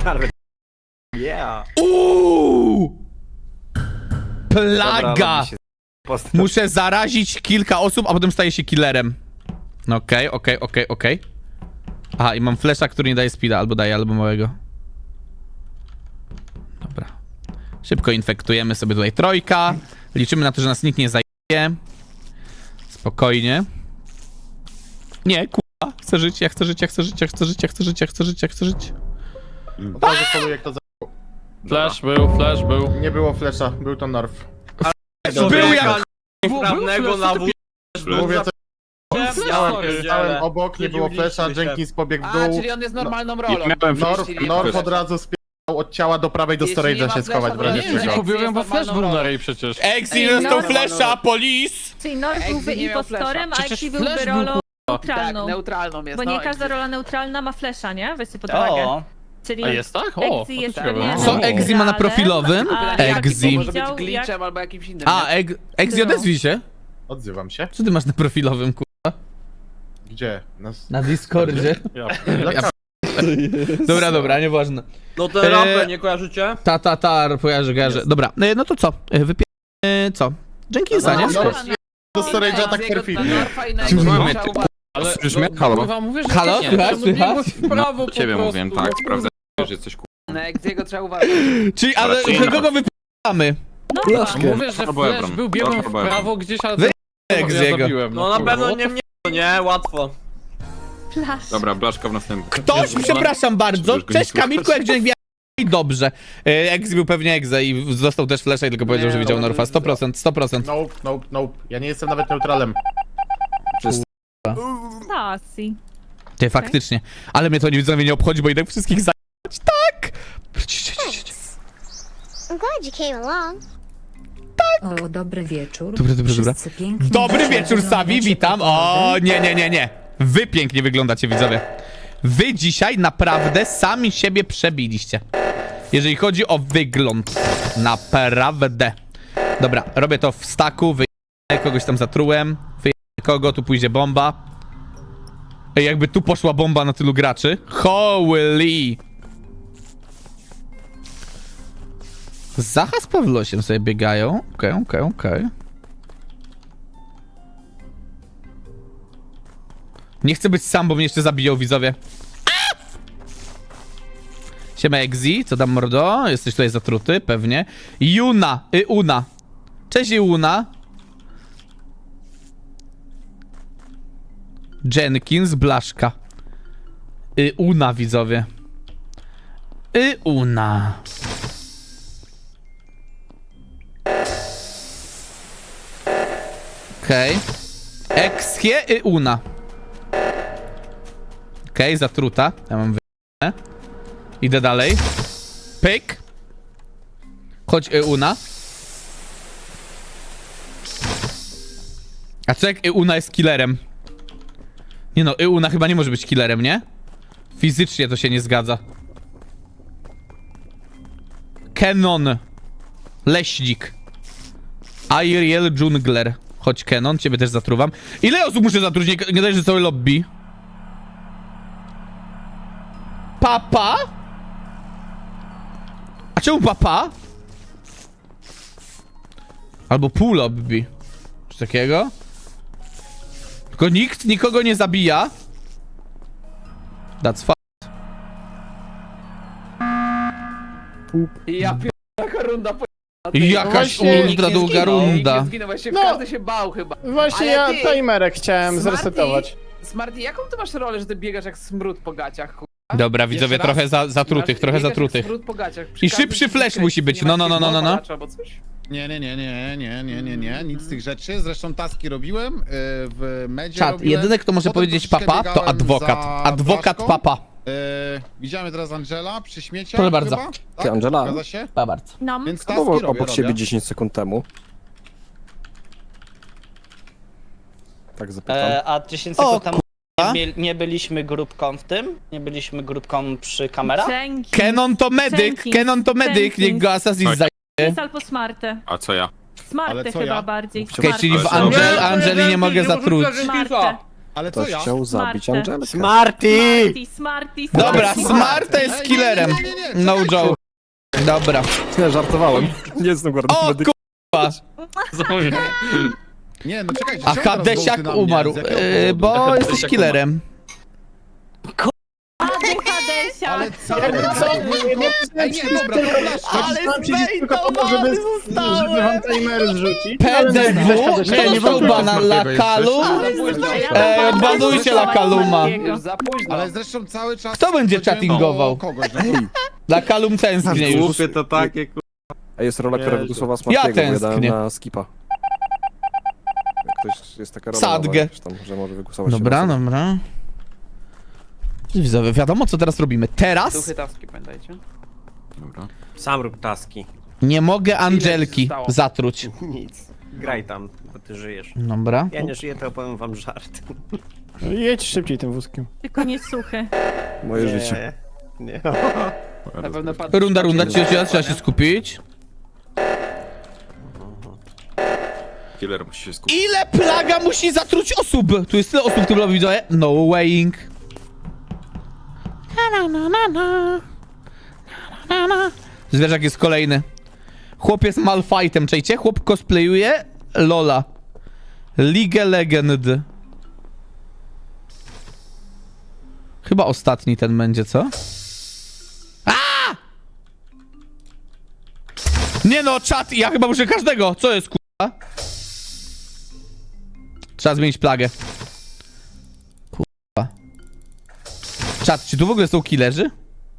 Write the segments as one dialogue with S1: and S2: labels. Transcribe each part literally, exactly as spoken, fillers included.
S1: Yeah.
S2: Uuu!
S1: Dobra,
S2: Plaga!
S1: robi się post-
S2: Muszę zarazić kilka osób, a potem staję się killerem. No okej, okej, okej, okej. Aha, i mam flesza, który nie daje speeda, albo daje, albo małego. Dobra. Szybko infektujemy sobie tutaj trojka. Liczymy na to, że nas nikt nie zajmie. Spokojnie. Nie, kurwa. Chcę żyć, ja chcę żyć, ja chcę żyć, ja chcę żyć, ja chcę żyć, ja chcę żyć, ja chcę żyć.
S3: Od razu poluję, jak to za...
S4: Flash był, flash był.
S3: Nie było flesza, był to Norf.
S2: Był jak...
S5: Prawnego na wóz.
S3: Mówię, co
S5: Miałem,
S3: stałem obok, nie było flesza, Jenkins pobiegł w
S6: A,
S3: dół.
S6: czyli on jest normalną rolą.
S4: Miałem
S3: Norf,
S6: Jeśli nie
S3: Norf
S6: ma
S3: od razu spiał od ciała do prawej do
S6: Jeśli nie
S3: storage'a
S6: ma
S3: się schować w
S6: flesza,
S3: razie
S6: to nie,
S3: czego.
S6: nie.
S4: Kupiłem, bo
S6: Jest
S4: flash był
S6: normalną
S4: na
S6: rolą.
S4: rej przecież.
S2: Exi
S7: Ej,
S2: dostał
S7: no.
S2: flesza, polis!
S7: Czyli Norf
S6: Exi
S7: byłby
S6: nie miał
S7: impostorem, a
S4: Przecież
S7: Exi
S4: flash
S7: byłby
S4: był,
S7: rolą
S6: Tak,
S7: neutralną.
S6: neutralną jest.
S7: Bo
S6: no,
S7: nie każda
S6: Exi.
S7: rola neutralna ma flesza, nie? Weźcie pod uwagę.
S5: O,
S7: Czyli
S4: A jest tak? O,
S7: Exi
S4: to
S7: jest
S4: ciekawe.
S7: pewnie
S2: Co Exi ma na
S7: neutralem,
S2: profilowym?
S7: a
S2: Exi.
S7: jak
S6: Może być
S7: widział,
S6: glitchem
S7: jak-
S6: albo jakimś innym.
S2: A,
S6: nie?
S2: Eg Exi, odezwij się.
S3: Odzywam się.
S2: Co ty masz na profilowym, kurwa?
S3: Gdzie? Nas...
S2: Na Discordzie.
S4: Ja.
S3: Dla
S2: Dobra, dobra, nieważne.
S5: no te
S2: Eee,
S5: rapy nie kojarzycie?
S2: Ta, ta, ta, kojarzę, kojarzę. Dobra, e, no to co? E, Wypie... E, co? Jenkinsa,
S3: No,
S2: nie?
S3: no, do storage'a tak
S6: Exiego
S3: perfidnie.
S6: na Norfa i na
S2: Czy
S6: Exi
S2: mamy-
S6: trzeba uważać.
S4: Ale
S8: Słyszysz
S4: no,
S8: mnie? Halo?
S4: kurwa, mówię, że
S2: Halo,
S4: nie.
S2: słychać,
S4: To biegło
S2: słychać?
S4: w prawo po
S8: Ciebie
S4: prostu,
S8: mówiłem,
S4: no
S8: tak,
S4: kurwa.
S8: sprawdzę, że jesteś kurwa.
S6: Na Exiego trzeba uważać.
S2: Czyli, ale
S8: Raczej
S2: kogo
S8: nie.
S2: wypieramy?
S7: Norfa.
S4: Mówię, że
S8: Albo
S4: flash
S8: Ebron.
S4: był, biegłem w
S8: Albo Ebron.
S4: prawo gdzieś, ale...
S2: Wy-
S4: ja
S2: Exiego.
S4: zabiłem,
S5: No na
S4: kurwa.
S5: pewno nie mnie, nie, łatwo.
S7: Flash.
S8: Dobra, blaszka w następnym.
S2: Ktoś, przepraszam bardzo.
S8: Żebyś go
S2: Cześć
S8: nie
S2: Kamilku, jak dzień i dobrze. E, Exi był pewnie Exe i dostał też flesza i tylko powiedział,
S6: Nie,
S2: że widział
S6: no,
S2: Norfa. sto procent, sto procent.
S3: Nope, nope, nope. Ja nie jestem nawet neutralem.
S7: Sasi.
S2: Ty, faktycznie. Ale mnie to nie widzowie nie obchodzi, bo idę wszystkich zajebać. Tak! Ci, ci, ci, ci.
S9: I'm glad you came along.
S10: O, dobry wieczór.
S2: Dobra, dobra, dobra.
S10: Wszyscy pięknie
S2: Dobry wieczór, Savi,
S10: wyglądacie,
S2: witam. O, nie, nie, nie, nie. Wy pięknie wyglądacie, widzowie. Wy dzisiaj naprawdę sami siebie przebiliście. Jeżeli chodzi o wygląd. Naprawdę. Dobra, robię to w staku, wyjdę, kogoś tam zatrułem. Wyjdę kogo, tu pójdzie bomba. Ej, jakby tu poszła bomba na tylu graczy. Holy! Zacha z Pawlosiem sobie biegają. Okej, okay, okej, okay, okej. Okay. Nie chcę być sam, bo mnie jeszcze zabiją widzowie. A! Siema Exi, co tam mordo? Jesteś tutaj zatruty, pewnie. Juna, y, Una. Cześć Una. Jenkins, Blaszka. Y, Una widzowie. Y, Una. Okej. Okay. Exie y, Una. Okej, okay, zatruta. Ja mam wy... Idę dalej. Pyk. Chodź y, Una. A co jak y, Una jest killerem? Nie no, y, Una chyba nie może być killerem, nie? Fizycznie to się nie zgadza. Kenon. Leśnik. Ariel Jungler. Chodź Kenon, ciebie też zatruwam. Ile osób muszę zatruć? Nie, nie daj, że całe lobby. Papa? A czemu papa? Albo pół lobby. Coś takiego? Tylko nikt nikogo nie zabija. That's fuck.
S6: I ja pier... taka runda po...
S2: Jakaś
S3: właśnie
S2: ultra
S6: Nikt nie
S2: długa
S6: zginął, nikt
S2: runda.
S6: nie zginął, właśnie
S3: No.
S6: każdy się bał chyba.
S3: Właśnie
S6: Ale
S3: ja
S6: ty-
S3: timerek chciałem
S6: Smarty-
S3: zresetować.
S6: Smarty, jaką ty masz rolę, że ty biegasz jak smród po gaciach, kurwa?
S2: Dobra, widzowie,
S3: Jeszcze raz?
S2: trochę za, zatrutych,
S6: Masz-
S2: trochę
S6: biegasz
S2: zatrutych.
S6: jak smród po gaciach. Przy
S2: I
S6: każdym
S2: szybszy flash
S6: skrycie
S2: musi być.
S6: nie ma
S2: No, no, no, no, no, no.
S6: jakiegoś albo coś?
S11: Nie, nie, nie, nie, nie, nie, nie, nie, nic z tych rzeczy. Zresztą taski robiłem yy, w medzie.
S2: Czat,
S11: robiłem.
S2: jedyny kto może
S11: Potem
S2: powiedzieć
S11: troszeczkę
S2: papa, to
S11: biegałem
S2: adwokat.
S11: za
S2: Adwokat
S11: Blaszką.
S2: papa.
S11: Yy, widziałem teraz Angela przy śmieciach.
S2: Proszę bardzo.
S11: Chyba? Tak?
S8: Angela?
S11: Zgadza się?
S2: Pa bardzo.
S7: No.
S11: Więc taski
S8: Bo
S11: robię,
S8: obok
S11: robię.
S8: siebie dziesięć sekund temu. Tak zapytam.
S5: E, a dziesięć
S2: O,
S5: sekund temu
S2: kurwa.
S5: nie, nie byliśmy grupką w tym? Nie byliśmy grupką przy kamerach?
S7: Jenkins.
S2: Kenon to medyk,
S7: Jenkins.
S2: Kenon to medyk, niech
S7: Jenkins.
S2: go Assassin zaj...
S7: Jenkins albo Smarty.
S8: A co ja?
S7: Smarty
S3: Ale co
S7: chyba
S3: ja?
S7: bardziej.
S2: Okej, czyli w
S8: Ale co?
S2: Angel,
S5: Nie,
S2: Angeli nie mogę zatruć.
S7: Smarty.
S11: Ale co
S8: Ktoś
S11: ja?
S8: chciał zabić
S7: Smarty.
S8: Angelkę.
S1: Smarty!
S7: Smarty, Smarty,
S2: Dobra,
S7: Smarty.
S2: Smarta jest
S11: Ej,
S2: killerem.
S11: nie, nie, nie, nie,
S2: No
S11: czekajcie.
S2: joke. Dobra.
S8: Nie, żartowałem. Nie jestem guardian
S2: O
S8: medyka.
S2: kurwa!
S11: Nie, no czekajcie.
S2: A
S11: czemu teraz
S2: Hadesiak
S11: wołty na mnie?
S2: umarł,
S11: Z jakiego
S2: yy,
S11: powodu?
S2: bo jesteś
S4: Hadesiak
S2: killerem.
S7: Ładny Hadesiak.
S11: Ale co? Co? Ej, nie, dobra, to blaszka.
S2: Ale zbejtowany zostałem!
S6: Żeby wam timery zrzucić.
S2: P D W? Kto dostał bana? Lakalu? E, banujcie Lakaluma.
S6: Już za późno.
S11: Ale zresztą cały czas...
S2: Kto będzie
S11: chodziłem
S2: chattingował?
S11: o Kogoś, no.
S2: Lakalum tęsknie już.
S8: Głupie to takie, A jest rola, która
S6: Jezu.
S8: wygłosowała Smartiego, bo ja dałem
S2: tęsknię.
S8: na skipa. Jak ktoś jest taka rola,
S2: Sadgę.
S8: nowa, tam, że może wygłosować się
S2: Dobra,
S8: na sobie.
S2: dobra. Widzowie, wiadomo co teraz robimy. Teraz
S6: Duchy taski, pamiętajcie.
S8: Dobra.
S1: Sam rób taski.
S2: nie mogę Angelki
S6: zostało?
S2: zatruć.
S1: Nic. Graj tam, bo ty żyjesz.
S2: Dobra.
S1: Ja nie żyję, to opowiem wam żart.
S6: Jedź szybciej tym wózkiem.
S7: Tylko nie suchy.
S8: Moje życie.
S1: Nie. nie.
S6: Na pewno padł.
S2: Runda, runda, trzeba, trzeba się skupić.
S8: Killer musi się skupić.
S2: Ile plaga musi zatruć osób? Tu jest tyle osób w tym lobby, widzowie. No weighing. Na, na, na, na. Na, na, na. Zwierzak jest kolejny. Chłop jest Malfightem, czajcie? Chłop cosplayuje Lola. League Legend. Chyba ostatni ten będzie, co? A! Nie no, czat, ja chyba muszę każdego. Co jest, kurwa? Trzeba zmienić plagę. Kurwa. Czat, czy tu w ogóle są killerzy?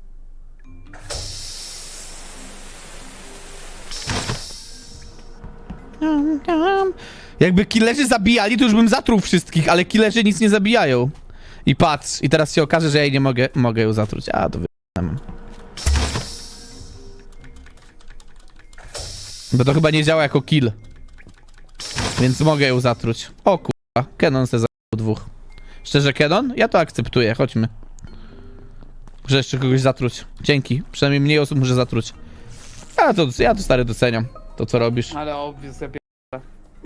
S2: Jakby killerzy zabijali, to już bym zatruł wszystkich, ale killerzy nic nie zabijają. I patrz, i teraz się okaże, że ja jej nie mogę, mogę ją zatruć. A, to wy***am. Bo to chyba nie działa jako kill. Więc mogę ją zatruć. O kurwa, Kenon se zabił dwóch. Szczerze, Kenon? Ja to akceptuję, chodźmy. Muszę jeszcze kogoś zatruć. Dzięki, przynajmniej mniej osób muszę zatruć. A to, ja to stary doceniam, to co robisz.
S6: Ale obvious, ja pierdolę.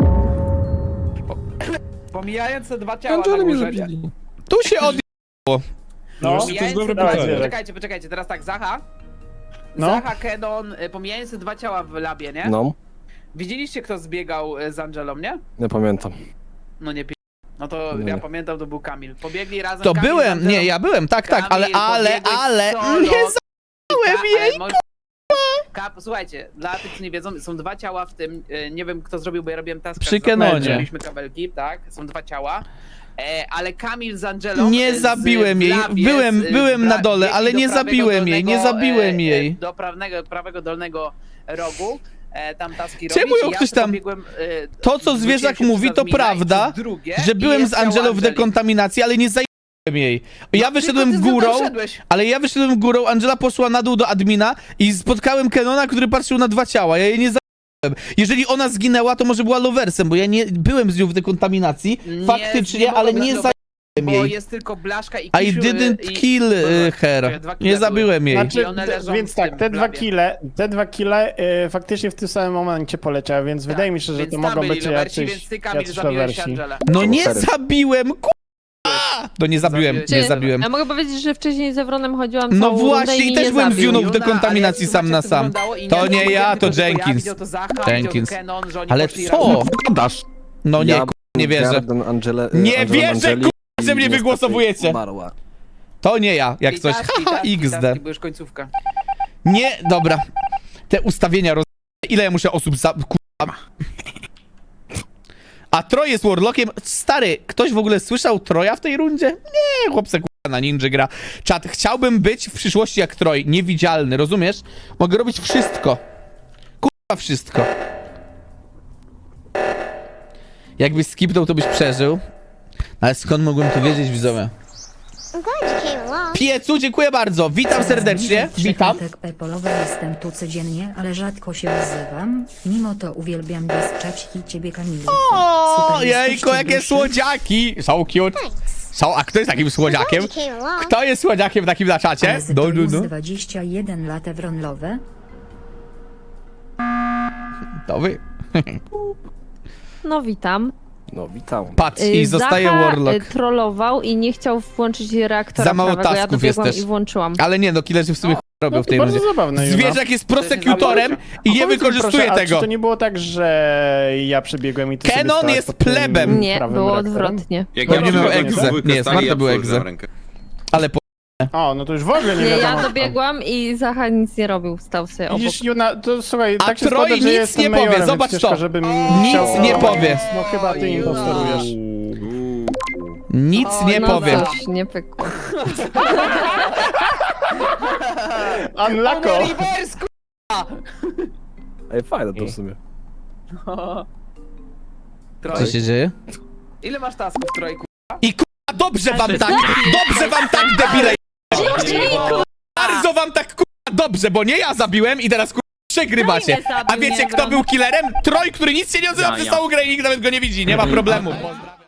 S6: Po- Pomijając te dwa ciała na
S8: Angele mnie
S6: górze.
S8: zabili.
S2: Tu się od...
S6: No,
S11: to jest dobre
S6: Dawajcie,
S11: pytanie.
S6: Poczekajcie, poczekajcie, teraz tak, Zacha.
S11: No.
S6: Zacha, Kenon, y, pomijając te dwa ciała w labie, nie?
S8: No,
S6: Widzieliście, kto zbiegał y, z Angelą, nie?
S8: nie pamiętam.
S6: No nie pi... No to
S8: Nie.
S6: ja pamiętam, to był Kamil. Pobiegli razem
S2: To
S6: Kamil z
S2: byłem,
S6: Angelą.
S2: nie, ja byłem, tak, tak, ale,
S6: Kamil,
S2: ale,
S6: pobiegłeś
S2: ale,
S6: solo.
S2: nie zabiłem
S6: Ka-
S2: jej,
S6: ale mo- Kap, słuchajcie, dla tych, co nie wiedzą, są dwa ciała w tym, y, nie wiem kto zrobił, bo ja robiłem task.
S2: Przy Kenonie.
S6: Mieliśmy kabelki, tak, są dwa ciała. E, ale Kamil z Angelą...
S2: Nie
S6: z-
S2: zabiłem
S6: w
S2: jej.
S6: labie,
S2: Byłem-
S6: z-
S2: byłem
S6: w
S2: na
S6: la-
S2: dole,
S6: biegli
S2: ale
S6: do
S2: nie
S6: prawego
S2: zabiłem jej, nie
S6: dolnego,
S2: zabiłem
S6: e,
S2: jej.
S6: E, do prawego, prawego dolnego rogu. E, tam taski
S2: Czemu
S6: robić,
S2: ją
S6: i ja
S2: ktoś
S6: sobie
S2: tam-
S6: pobiegłem, e,
S2: To, co
S6: zwróciłem
S2: zwierzak
S6: się
S2: mówi,
S6: przez
S2: to
S6: admina i
S2: prawda,
S6: przez drugie,
S2: że
S6: i
S2: byłem
S6: jest
S2: z
S6: ciało
S2: Angelą w
S6: Angeli.
S2: dekontaminacji, ale nie zajęłem jej. Ja
S6: No,
S2: wyszedłem
S6: tylko ty z nią
S2: górą,
S6: tam szedłeś.
S2: ale ja wyszedłem górą, Angela poszła na dół do admina i spotkałem Kenona, który patrzył na dwa ciała. Ja jej nie zajęłem. Jeżeli ona zginęła, to może była loversem, bo ja nie byłem z nią w dekontaminacji,
S6: Nie,
S2: faktycznie,
S6: nie
S2: ale
S6: mogła
S2: nie
S6: być
S2: zajęłem
S6: Bo
S2: jej.
S6: jest tylko Blaszka i
S2: I
S6: Kisiu,
S2: didn't
S6: i-
S2: kill
S6: Dobra,
S2: y, her.
S6: dwa kile
S2: Nie zabiłem jej.
S6: Znaczy, I one leżą
S12: Więc
S6: w
S12: tak,
S6: tym
S12: te dwa
S6: labie.
S12: kile, te dwa kile y, faktycznie w tym samym momencie poleciały, więc
S6: Tak,
S12: wydaje mi się, że
S6: więc
S12: to
S6: tam
S12: mogą
S6: byli
S12: być
S6: lowersi,
S12: jacyś,
S6: więc ty, Kamil,
S12: jacyś
S6: zabiłeś
S12: lowersi.
S6: Angelę.
S2: No nie
S8: Cztery.
S2: zabiłem, k***a! No nie zabiłem,
S6: Zabiłeś
S2: nie
S6: Angelę.
S2: zabiłem.
S13: Ja mogę powiedzieć, że wcześniej z Evronem chodziłam
S2: No
S13: całą rundę
S2: właśnie,
S13: i
S2: i
S13: mi
S2: też
S13: nie
S2: byłem z
S13: zabił.
S2: Juną w
S6: Juna,
S2: dekontaminacji
S6: ale
S2: sam na
S6: zobaczcie, jak
S2: sam.
S6: wyglądało i
S2: To nie
S6: widział
S2: ja, to
S6: tylko
S2: Jenkins.
S6: widział to Zacha,
S2: Jenkins.
S6: widział to Kenon, że oni
S2: Ale
S6: poszli
S2: co?
S6: razem.
S8: Gadasz.
S2: No nie,
S8: Ja
S2: k***, nie
S8: byłem
S2: wierzę.
S8: Garden Angele,
S2: Nie
S8: Angelą
S2: wierzę,
S8: Angeli
S2: k***, że
S8: i
S2: mnie
S8: niestety
S2: wygłosowujecie.
S8: umarła.
S2: To nie ja, jak
S6: I
S2: coś.
S6: taski,
S2: Haha,
S6: taski,
S2: X D.
S6: taski, bo już końcówka.
S2: Nie, dobra. Te ustawienia roz... Ile ja muszę osób za... Kurwa. A Troj jest Warlockiem. Stary, ktoś w ogóle słyszał Troja w tej rundzie? Nie, chłopce kurwa na ninja gra. Czat, chciałbym być w przyszłości jak Troj. Niewidzialny, rozumiesz? Mogę robić wszystko. Kurwa wszystko. Jakbyś skipnął, to byś przeżył. Ale skąd mogłem to wiedzieć, widzowie?
S9: I'm glad you came along.
S2: Piecu, dziękuję bardzo. Witam serdecznie. Witam.
S10: Pepolowy jestem tu codziennie, ale rzadko się odzywam. Mimo to uwielbiam bezczać i ciebie, Kamilku.
S2: O,
S10: Super
S2: jejko,
S10: jesteście
S2: jakie
S10: duszy.
S2: słodziaki. So cute. So, a kto jest takim słodziakiem?
S9: Glad you came along.
S2: Kto jest słodziakiem takim na czacie?
S10: Ale
S2: No,
S10: to
S2: no,
S10: jest
S2: no.
S10: dwadzieścia jeden lat Evronlowe.
S2: To wy.
S13: No witam.
S8: No, witam.
S2: Patrz,
S13: Y,
S2: i zostaje
S13: Zacha,
S2: Warlock.
S13: y, trollował i nie chciał włączyć reaktora
S2: Za mało
S13: prawego. Ja
S2: tasków
S13: dobiegłam
S2: jest też.
S13: i włączyłam.
S2: Ale nie, no killerzy w sumie ch- robią
S12: No
S2: w
S12: to
S2: tej
S12: bardzo
S2: rundzie.
S12: zabawne, Juna.
S2: Zwierzak jest prosekutorem i
S12: A
S2: nie
S12: powiedz mi,
S2: wykorzystuje
S12: proszę, a
S2: tego.
S12: Czy to nie było tak, że ja przebiegłem i ty sobie
S2: Kenon
S12: stałaś
S2: jest
S12: pod tym
S2: plebem.
S13: Nie,
S12: prawym
S13: było
S12: reaktorem?
S13: odwrotnie.
S14: Jak
S2: Bo nie miał
S14: przychodzę
S2: egze.
S14: w dwójkę
S2: Nie,
S14: stali,
S2: Smarta
S14: ja
S2: był
S14: absolut
S2: egze.
S14: za rękę.
S2: Ale po...
S12: O, no to już w ogóle nie
S13: Nie,
S12: wiadomo.
S13: ja dobiegłam i Zacha nic nie robił, stał sobie obok.
S12: Widzisz, Juna, to słuchaj,
S2: A
S12: tak się
S2: Troj
S12: składa, że
S2: nic
S12: jestem
S2: nie powie,
S12: majorem,
S2: zobacz
S12: więc
S2: to.
S12: ciężko, żebym
S2: Nic
S12: chciał-
S2: nie powie.
S12: No chyba ty impostorujesz.
S14: Uuu.
S2: Nic
S13: O,
S2: nie
S13: no
S2: powiem.
S13: Coś, nie pykło.
S12: Unlocko!
S6: Reverse, k***a!
S8: Ej, fajne to w sumie.
S2: Co
S6: Troj,
S2: się dzieje?
S6: ile masz tasków, Trojku?
S2: I k***a, dobrze wam tak, dobrze wam tak, debile. Bardzo wam tak k***a dobrze, bo nie ja zabiłem i teraz k***a przegrywacie.
S7: Troj mnie zabił,
S2: A wiecie
S7: nie
S2: kto
S7: Wron.
S2: był killerem? Troj, który nic się nie odzywa
S4: Ja,
S2: przez
S4: ja.
S2: całą grę i nikt nawet go nie widzi. Nie ma problemu. Pozdrawiam.